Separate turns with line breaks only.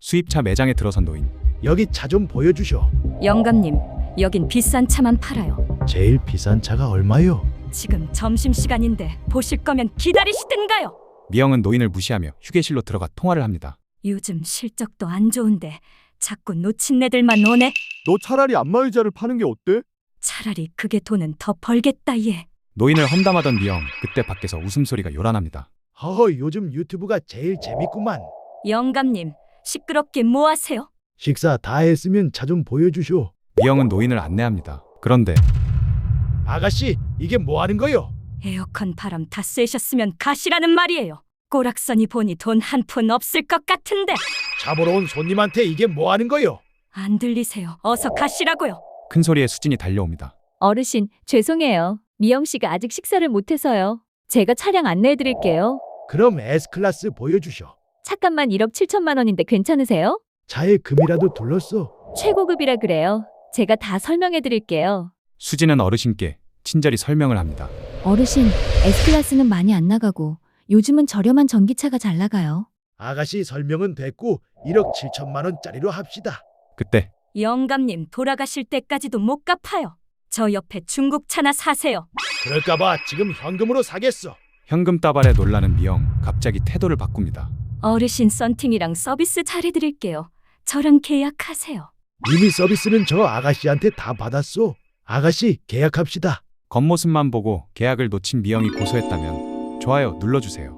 수입차 매장에 들어선 노인.
여기 차 좀 보여주쇼.
영감님, 여긴 비싼 차만 팔아요.
제일 비싼 차가 얼마요?
지금 점심시간인데 보실 거면 기다리시든가요.
미영은 노인을 무시하며 휴게실로 들어가 통화를 합니다.
요즘 실적도 안 좋은데 자꾸 놓친 애들만 오네.
너 차라리 안마의자를 파는 게 어때?
차라리 그게 돈은 더 벌겠다 얘.
노인을 험담하던 미영, 그때 밖에서 웃음소리가 요란합니다.
허허, 요즘 유튜브가 제일 재밌구만.
영감님, 시끄럽게 뭐 하세요?
식사 다 했으면 차 좀 보여주쇼.
미영은 노인을 안내합니다. 그런데
아가씨, 이게 뭐 하는 거요?
에어컨 바람 다 쐬셨으면 가시라는 말이에요. 꼬락서니 보니 돈 한 푼 없을 것 같은데.
차 보러 온 손님한테 이게 뭐 하는 거요?
안 들리세요? 어서 가시라고요.
큰 소리에 수진이 달려옵니다.
어르신, 죄송해요. 미영 씨가 아직 식사를 못해서요. 제가 차량 안내해드릴게요.
그럼 S클래스 보여주쇼.
차값만 1억 7천만 원인데 괜찮으세요?
차에 금이라도 둘렀어.
최고급이라 그래요. 제가 다 설명해드릴게요.
수진은 어르신께 친절히 설명을 합니다.
어르신, S클래스는 많이 안 나가고 요즘은 저렴한 전기차가 잘 나가요.
아가씨 설명은 됐고 1억 7천만 원짜리로 합시다.
그때
영감님 돌아가실 때까지도 못 갚아요. 저 옆에 중국차나 사세요.
그럴까봐 지금 현금으로 사겠어.
현금 따발에 놀라는 미영, 갑자기 태도를 바꿉니다.
어르신 썬팅이랑 서비스 잘해드릴게요. 저랑 계약하세요.
이미 서비스는 저 아가씨한테 다 받았어. 아가씨 계약합시다.
겉모습만 보고 계약을 놓친 미영이 고소했다면 좋아요 눌러주세요.